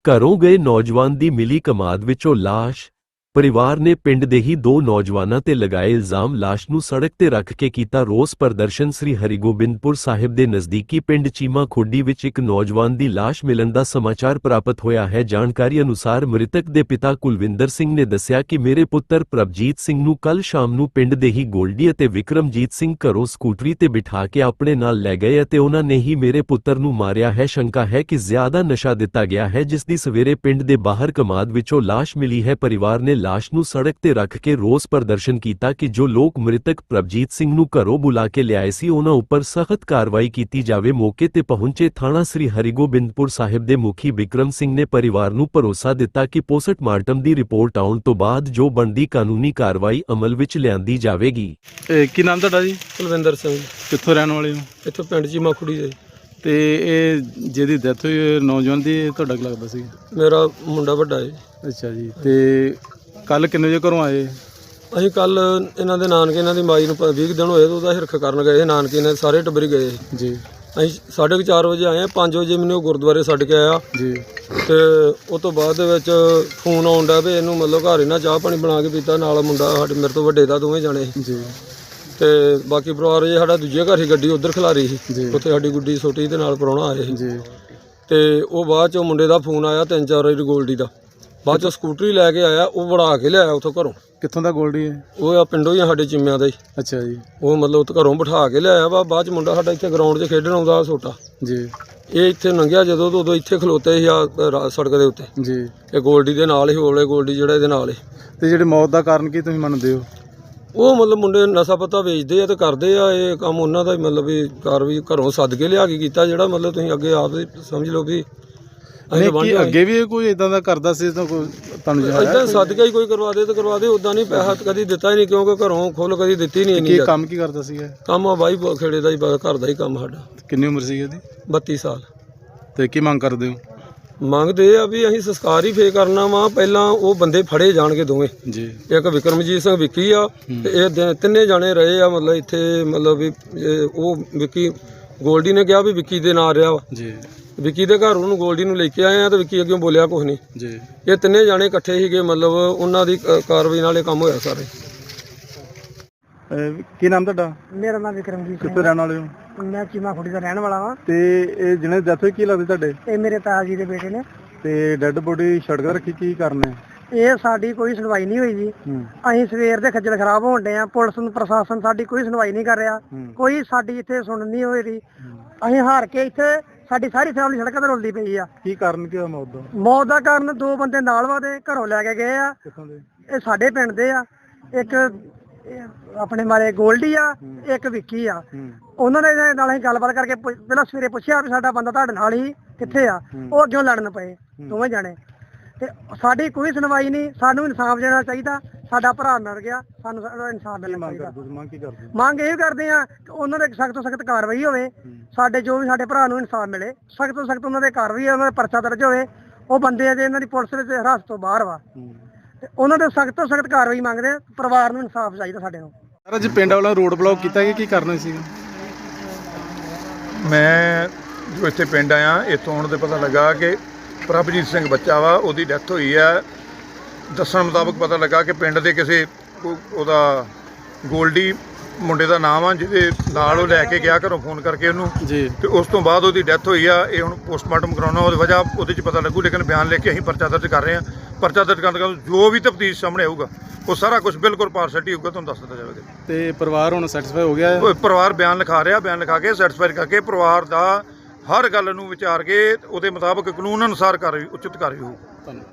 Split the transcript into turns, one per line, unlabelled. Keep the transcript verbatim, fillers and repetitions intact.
ਘਰੋਂ ਗਏ ਨੌਜਵਾਨ ਦੀ ਮਿਲੀ ਕਮਾਦ ਵਿੱਚੋਂ ਲਾਸ਼। ਪਰਿਵਾਰ ਨੇ ਪਿੰਡ ਦੇ ਹੀ ਦੋ ਨੌਜਵਾਨਾਂ ਤੇ ਲਗਾਏ ਇਲਜ਼ਾਮ। ਲਾਸ਼ ਨੂੰ ਸੜਕ ਤੇ ਰੱਖ ਕੇ ਕੀਤਾ ਰੋਸ ਪ੍ਰਦਰਸ਼ਨ। ਸ੍ਰੀ ਹਰਿਗੋਬਿੰਦਪੁਰ ਸਾਹਿਬ ਦੇ ਨਜ਼ਦੀਕੀ ਪਿੰਡ ਚੀਮਾ ਖੁੱਡੀ ਵਿੱਚ ਇੱਕ ਨੌਜਵਾਨ ਦੀ ਲਾਸ਼ ਮਿਲਣ ਦਾ ਸਮਾਚਾਰ ਪ੍ਰਾਪਤ ਹੋਇਆ ਹੈ। ਜਾਣਕਾਰੀ ਅਨੁਸਾਰ ਮ੍ਰਿਤਕ ਦੇ ਪਿਤਾ ਕੁਲਵਿੰਦਰ ਸਿੰਘ ਨੇ ਦੱਸਿਆ ਕਿ ਮੇਰੇ ਪੁੱਤਰ ਪ੍ਰਭਜੀਤ ਸਿੰਘ ਨੂੰ ਕੱਲ ਸ਼ਾਮ ਨੂੰ ਪਿੰਡ ਦੇ ਹੀ ਗੋਲਡੀ ਅਤੇ ਵਿਕਰਮਜੀਤ ਸਿੰਘ ਘਰੋਂ ਸਕੂਟਰੀ ਤੇ ਬਿਠਾ ਕੇ ਆਪਣੇ ਨਾਲ ਲੈ ਗਏ ਅਤੇ ਉਹਨਾਂ ਨੇ ਹੀ ਮੇਰੇ ਪੁੱਤਰ ਨੂੰ ਮਾਰਿਆ ਹੈ। ਸ਼ੰਕਾ ਹੈ ਕਿ ਜ਼ਿਆਦਾ ਨਸ਼ਾ ਦਿੱਤਾ ਗਿਆ ਹੈ, ਜਿਸ ਦੀ ਸਵੇਰੇ ਪਿੰਡ ਦੇ ਬਾਹਰ ਕਮਾਦ ਵਿੱਚੋਂ ਲਾਸ਼ ਮਿਲੀ ਹੈ। ਪਰਿਵਾਰ ਨੇ ਲਾਸ਼ ਨੂੰ ਸੜਕ ਤੇ ਰੱਖ ਕੇ ਰੋਸ ਪ੍ਰਦਰਸ਼ਨ ਕੀਤਾ ਕਿ ਜੋ ਲੋਕ ਮ੍ਰਿਤਕ ਪ੍ਰਭਜੀਤ ਸਿੰਘ ਨੂੰ ਘਰੋਂ ਬੁਲਾ ਕੇ ਲਿਆਏ ਸੀ ਉਹਨਾਂ ਉੱਪਰ ਸਖਤ ਕਾਰਵਾਈ ਕੀਤੀ ਜਾਵੇ। ਮੌਕੇ ਤੇ ਪਹੁੰਚੇ ਥਾਣਾ ਸ੍ਰੀ ਹਰਿਗੋਬਿੰਦਪੁਰ ਸਾਹਿਬ ਦੇ ਮੁਖੀ ਬਿਕਰਮ ਸਿੰਘ ਨੇ ਪਰਿਵਾਰ ਨੂੰ ਭਰੋਸਾ ਦਿੱਤਾ ਕਿ ਪੋਸਟਮਾਰਟਮ ਦੀ ਰਿਪੋਰਟ ਆਉਣ ਤੋਂ ਬਾਅਦ ਜੋ ਬਣਦੀ ਕਾਨੂੰਨੀ ਕਾਰਵਾਈ ਅਮਲ ਵਿੱਚ ਲਿਆਂਦੀ ਜਾਵੇਗੀ।
ਇਹ ਕੀ ਨਾਮ ਤੁਹਾਡਾ ਜੀ?
ਕੁਲਵਿੰਦਰ ਸਿੰਘ।
ਕਿੱਥੋਂ ਰਹਿਣ ਵਾਲੇ ਹੋ?
ਇੱਥੋਂ ਪਿੰਡ ਚੀਮਾ ਖੁੱਡੀ ਦੇ।
ਤੇ ਇਹ ਜਿਹਦੀ ਡੈਥ ਹੋਈ ਹੈ ਨੌਜਵਾਨ ਦੀ, ਇਹ ਤੁਹਾਡਾ ਕੀ ਲੱਗਦਾ ਸੀ?
ਮੇਰਾ ਮੁੰਡਾ ਵੱਡਾ ਹੈ।
ਅੱਛਾ ਜੀ। ਤੇ ਕੱਲ ਕਿੰਨੇ ਵਜੇ ਘਰੋਂ ਆਏ?
ਅਸੀਂ ਕੱਲ ਇਹਨਾਂ ਦੇ ਨਾਨਕੇ, ਇਹਨਾਂ ਦੀ ਮਾਈ ਨੂੰ ਵੀਹ ਦਿਨ ਹੋਏ ਤਾਂ ਉਹਦਾ ਹਿਰਖ ਕਰਨ ਗਏ। ਨਾਨਕੇ ਨੇ ਸਾਰੇ ਟੱਬਰੀ ਗਏ
ਜੀ।
ਅਸੀਂ ਸਾਢੇ ਕੁ ਚਾਰ ਵਜੇ ਆਏ। ਪੰਜ ਵਜੇ ਮੈਨੂੰ ਗੁਰਦੁਆਰੇ ਛੱਡ ਕੇ ਆਇਆ
ਜੀ।
ਤੇ ਉਸ ਤੋਂ ਬਾਅਦ ਦੇ ਵਿੱਚ ਫੋਨ ਆਉਣ ਡਿਆ ਵੀ ਇਹਨੂੰ ਮਤਲਬ ਘਰ ਇਹਨਾਂ ਚਾਹ ਪਾਣੀ ਬਣਾ ਕੇ ਪੀਤਾ। ਨਾਲ ਮੁੰਡਾ ਸਾਡੇ ਮੇਰੇ ਤੋਂ ਵੱਡੇ ਦਾ, ਦੋਵੇਂ ਜਾਣੇ
ਜੀ।
ਤੇ ਬਾਕੀ ਪਰਿਵਾਰ ਜੇ ਸਾਡਾ ਦੂਜੇ ਘਰ ਹੀ ਗੱਡੀ ਉੱਧਰ ਖਿਲਾਰੀ ਸੀ, ਉੱਥੇ ਸਾਡੀ ਗੁੱਡੀ ਛੋਟੀ ਦੇ ਨਾਲ ਪ੍ਰਾਹੁਣਾ ਆਏ ਸੀ
ਜੀ।
ਤੇ ਉਹ ਬਾਅਦ ਚੋਂ ਮੁੰਡੇ ਦਾ ਫੋਨ ਆਇਆ ਤਿੰਨ ਚਾਰ ਵਾਰੀ ਗੋਲਡੀ ਦਾ। ਬਾਅਦ ਚੋਂ ਸਕੂਟਰੀ ਲੈ ਕੇ ਆਇਆ, ਉਹ ਵੜਾ ਕੇ ਲਿਆਇਆ ਉੱਥੋਂ ਘਰੋਂ।
ਕਿੱਥੋਂ ਦਾ ਗੋਲਡੀ ਹੈ?
ਉਹ ਆ ਪਿੰਡੋਂ ਹੀ ਆ, ਸਾਡੇ ਚਿੰਮਿਆਂ ਦਾ ਹੀ।
ਅੱਛਾ ਜੀ।
ਉਹ ਮਤਲਬ ਉੱਥੇ ਘਰੋਂ ਬਿਠਾ ਕੇ ਲਿਆਇਆ ਵਾ। ਬਾਅਦ ਚ ਮੁੰਡਾ ਸਾਡਾ ਇੱਥੇ ਗਰਾਊਂਡ 'ਚ ਖੇਡਣ ਆਉਂਦਾ ਛੋਟਾ
ਜੀ।
ਇਹ ਇੱਥੇ ਲੰਘਿਆ ਜਦੋਂ ਤੋਂ ਉਦੋਂ ਇੱਥੇ ਖਲੋਤੇ ਸੀ ਆ ਸੜਕ ਦੇ ਉੱਤੇ
ਜੀ।
ਇਹ ਗੋਲਡੀ ਦੇ ਨਾਲ ਹੀ ਹੋਲੇ ਗੋਲਡੀ ਜਿਹੜਾ ਇਹਦੇ ਨਾਲ ਹੀ।
ਤੇ ਜਿਹੜੇ ਮੌਤ ਦਾ ਕਾਰਨ ਕੀ ਤੁਸੀਂ ਮੰਨਦੇ ਹੋ?
ਉਹ ਮਤਲਬ ਮੁੰਡੇ ਨਸ਼ਾ ਪੱਤਾ ਵੇਚਦੇ ਆ ਤੇ ਕਰਦੇ ਆ। ਇਹ ਕੰਮ ਉਹਨਾਂ ਦਾ ਹੀ ਮਤਲਬ ਵੀ ਕਾਰਵਾਈ ਘਰੋਂ ਸੱਦ ਕੇ ਲਿਆ ਕੇ ਕੀਤਾ, ਜਿਹੜਾ ਮਤਲਬ ਤੁਸੀਂ ਅੱਗੇ ਆਪ ਹੀ ਸਮਝ ਲਓ ਵੀ
ਨਹੀਂ ਕੀ ਅੱਗੇ ਵੀ ਕੋਈ ਇਦਾਂ ਦਾ ਕਰਦਾ ਸੀ ਤਾਂ ਕੋਈ ਤੁਹਾਨੂੰ
ਇਦਾਂ ਸੱਦ ਕੇ ਹੀ ਕੋਈ ਕਰਵਾ ਦੇ ਤੇ ਕਰਵਾ ਦੇ। ਉਦਾਂ ਨਹੀਂ ਪੈਸਾ ਕਦੀ ਦਿੱਤਾ ਹੀ ਨਹੀਂ, ਕਿਉਂਕਿ ਘਰੋਂ ਖੁੱਲ ਕਦੀ ਦਿੱਤੀ ਨਹੀਂ।
ਕੀ ਕੰਮ ਕੀ ਕਰਦਾ ਸੀ ਇਹ?
ਕੰਮ ਆ ਬਾਈ ਖੇੜੇ ਦਾ ਹੀ, ਘਰ ਦਾ ਹੀ ਕੰਮ ਸਾਡਾ।
ਕਿੰਨੀ ਉਮਰ ਸੀ ਇਹਦੀ?
ਬੱਤੀ ਸਾਲ।
ਤੇ ਕੀ ਮੰਗ ਕਰਦੇ ਹੋ?
ਮੰਗਦੇ ਆ ਵੀ ਅਸੀਂ ਸੰਸਕਾਰ ਹੀ ਫੇਰ ਕਰਨਾ ਵਾ। ਪਹਿਲਾਂ ਉਹ ਬੰਦੇ ਫੜੇ ਜਾਣਗੇ ਦੋਵੇਂ
ਜੀ।
ਇੱਕ ਵਿਕਰਮਜੀਤ ਸਿੰਘ ਵਿੱਕੀ ਆ ਤੇ ਇਹ ਤਿੰਨੇ ਜਾਣੇ ਰਹੇ ਆ ਮਤਲਬ ਇੱਥੇ। ਮਤਲਬ ਵੀ ਉਹ ਵਿੱਕੀ ਗੋਲਡੀ ਨੇ ਕਿਹਾ ਵੀ ਵਿੱਕੀ ਦੇ ਨਾਂ ਰਿਹਾ ਵਾ
ਜੀ।
ਵਿੱਕੀ ਦੇ ਘਰ ਉਹਨੂੰ ਗੋਲਡੀ ਨੂੰ ਲੈ ਕੇ ਆਏ ਆ ਤੇ ਵਿੱਕੀ ਅੱਗੇ ਬੋਲਿਆ ਕੁਛ ਨਹੀਂ
ਜੀ।
ਇਹ ਤਿੰਨੇ ਜਾਣੇ ਇਕੱਠੇ ਸੀਗੇ, ਮਤਲਬ ਉਹਨਾਂ ਦੀ ਕਾਰਵਾਈ ਨਾਲ ਇਹ ਕੰਮ ਹੋਇਆ ਸਾਰੇ।
ਕੀ ਨਾਮ ਤੁਹਾਡਾ?
ਮੇਰਾ ਨਾਮ ਵਿਕਰਮਜੀਤ ਸਿੰਘ।
ਕਿੱਥੋਂ ਰਹਿਣ ਵਾਲੇ ਹੋ?
ਮੈਂ ਚੀਮਾ ਖੁੱਡੀ ਦਾ ਰਹਿਣ ਵਾਲਾ ਵਾਂ।
ਤੇ ਇਹ ਜਿਹਨੇ ਡੈਥ ਹੋਈ ਕੀ ਲੱਗਦੇ ਤੁਹਾਡੇ?
ਇਹ ਮੇਰੇ ਤਾਇਆ ਜੀ ਦੇ ਬੇਟੇ ਨੇ।
ਤੇ ਡੈੱਡ ਬੋਡੀ ਸੜਕ ਤੇ ਰੱਖੀ, ਕੀ ਕਰਨਾ?
ਇਹ ਸਾਡੀ ਕੋਈ ਸੁਣਵਾਈ ਨਹੀਂ ਹੋਈ ਜੀ। ਅਸੀਂ ਸਵੇਰ ਦੇ ਖੱਜਲ ਖਰਾਬ ਹੋਣ ਡਏ ਆ। ਪੁਲਿਸ ਨੂੰ ਪ੍ਰਸ਼ਾਸਨ ਸਾਡੀ ਕੋਈ ਸੁਣਵਾਈ ਨਹੀਂ ਕਰ ਰਿਹਾ, ਕੋਈ ਸਾਡੀ ਇੱਥੇ ਸੁਣ ਨਹੀਂ ਹੋਈ ਰਹੀ। ਅਸੀਂ ਹਾਰ ਕੇ ਇੱਥੇ ਸਾਡੀ ਸਾਰੀ ਫੈਮਿਲੀ ਸੜਕਾਂ ਤੇ ਰੁਲਦੀ ਪਈ ਆ।
ਕੀ ਕਾਰਨ ਕੀ ਹੋਇਆ ਮੌਤ ਦਾ?
ਮੌਤ ਦਾ ਕਾਰਨ ਦੋ ਬੰਦੇ ਨਾਲ ਵਾਦੇ ਘਰੋਂ ਲੈ ਕੇ ਗਏ ਆ।
ਕਿੱਥੋਂ ਦੇ?
ਇਹ ਸਾਡੇ ਪਿੰਡ ਦੇ ਆ। ਇੱਕ ਆਪਣੇ ਮਾਰੇ ਗੋਲਡੀ ਆ, ਇੱਕ ਵਿੱਕੀ ਆ। ਉਹਨਾਂ ਦੇ ਨਾਲ ਅਸੀਂ ਗੱਲਬਾਤ ਕਰਕੇ ਪਹਿਲਾਂ ਸਵੇਰੇ ਪੁੱਛਿਆ ਵੀ ਸਾਡਾ ਬੰਦਾ ਤੁਹਾਡੇ ਨਾਲ ਹੀ ਕਿੱਥੇ ਆ। ਉਹ ਅੱਗੇ ਲੜਨ ਪਏ ਦੋਵੇਂ ਜਾਣੇ ਤੇ ਸਾਡੀ ਕੋਈ ਸੁਣਵਾਈ ਨਹੀਂ। ਸਾਨੂੰ ਇਨਸਾਫ ਦੇਣਾ ਚਾਹੀਦਾ। ਸਾਡਾ ਭਰਾ ਮਰ ਗਿਆ, ਸਾਨੂੰ ਇਨਸਾਫ ਮਿਲਣਾ ਚਾਹੀਦਾ।
ਮੰਗ ਕੀ ਕਰਦੇ?
ਮੰਗ ਇਹ ਕਰਦੇ ਆ ਕਿ ਉਹਨਾਂ ਦੇ ਸਖਤ ਤੋਂ ਸਖਤ ਕਾਰਵਾਈ ਹੋਵੇ। ਸਾਡੇ ਜੋ ਵੀ ਸਾਡੇ ਭਰਾ ਨੂੰ ਇਨਸਾਫ ਮਿਲੇ, ਸਖਤ ਤੋਂ ਸਖਤ ਉਹਨਾਂ ਦੇ ਕਾਰਵਾਈ, ਉਹਨਾਂ ਦਾ ਪਰਚਾ ਦਰਜ ਹੋਵੇ। ਉਹ ਬੰਦੇ ਆ ਜੇ ਇਹਨਾਂ ਦੀ ਪੁਲਿਸ ਵਿੱਚ ਹਿਰਾਸਤ ਤੋਂ ਬਾਹਰ ਵਾ ਤੇ ਉਹਨਾਂ ਦੇ ਸਖਤ ਤੋਂ ਸਖਤ ਕਾਰਵਾਈ ਮੰਗਦੇ ਆ। ਪਰਿਵਾਰ ਨੂੰ ਇਨਸਾਫ ਚਾਹੀਦਾ ਸਾਡੇ ਨੂੰ।
ਸਰ ਅੱਜ ਪਿੰਡ ਵਾਲਾ ਰੋਡ ਬਲੌਕ ਕੀਤਾ ਕਿ ਕੀ ਕਰਨਾ ਸੀ?
ਮੈਂ ਜੋ ਇੱਥੇ ਪਿੰਡ ਆਇਆ, ਇੱਥੋਂ ਆਉਣ ਤੇ ਪਤਾ ਲੱਗਾ ਕਿ ਪ੍ਰਭਜੀਤ ਸਿੰਘ ਬੱਚਾ ਵਾ, ਉਹਦੀ ਡੈਥ ਹੋਈ ਹੈ। ਦੱਸਣ ਮੁਤਾਬਕ ਪਤਾ ਲੱਗਾ ਕਿ ਪਿੰਡ ਦੇ ਕਿਸੇ ਉਹਦਾ ਗੋਲਡੀ ਮੁੰਡੇ ਦਾ ਨਾਮ ਆ, ਜਿਹਦੇ ਨਾਲ ਉਹ ਲੈ ਕੇ ਗਿਆ ਘਰੋਂ ਫੋਨ ਕਰਕੇ ਉਹਨੂੰ ਜੀ। ਤੇ ਉਸ ਤੋਂ ਬਾਅਦ ਉਹਦੀ ਡੈਥ ਹੋਈ ਆ। ਇਹ ਹੁਣ ਪੋਸਟਮਾਰਟਮ ਕਰਾਉਣਾ, ਉਹਦੀ ਵਜ੍ਹਾ ਉਹਦੇ 'ਚ ਪਤਾ ਲੱਗੂ। ਲੇਕਿਨ ਬਿਆਨ ਲਿਖ ਕੇ ਅਸੀਂ ਪਰਚਾ ਦਰਜ ਕਰ ਰਹੇ ਹਾਂ। ਪਰਚਾ ਦਰਜ ਕਰਨ ਦਾ ਜੋ ਵੀ ਤਫਤੀਸ਼ ਸਾਹਮਣੇ ਆਊਗਾ ਉਹ ਸਾਰਾ ਕੁਝ ਬਿਲਕੁਲ ਪਾਰਸ਼ੈਲਿਟੀ ਹੋਊਗਾ, ਤੁਹਾਨੂੰ ਦੱਸ ਦਿੱਤਾ ਜਾਵੇਗਾ।
ਤੇ ਪਰਿਵਾਰ ਹੁਣ ਸੈਟੀਸਫਾਈ ਹੋ ਗਿਆ?
ਪਰਿਵਾਰ ਬਿਆਨ ਲਿਖਾ ਰਿਹਾ, ਬਿਆਨ ਲਿਖਾ ਕੇ ਸੈਟੀਸਫਾਈ ਕਰਕੇ ਪਰਿਵਾਰ ਦਾ ਹਰ ਗੱਲ ਨੂੰ ਵਿਚਾਰ ਕੇ ਉਹਦੇ ਮੁਤਾਬਕ ਕਾਨੂੰਨ ਅਨੁਸਾਰ ਕਾਰਵਾਈ, ਉਚਿਤ ਕਾਰਵਾਈ ਹੋਊ।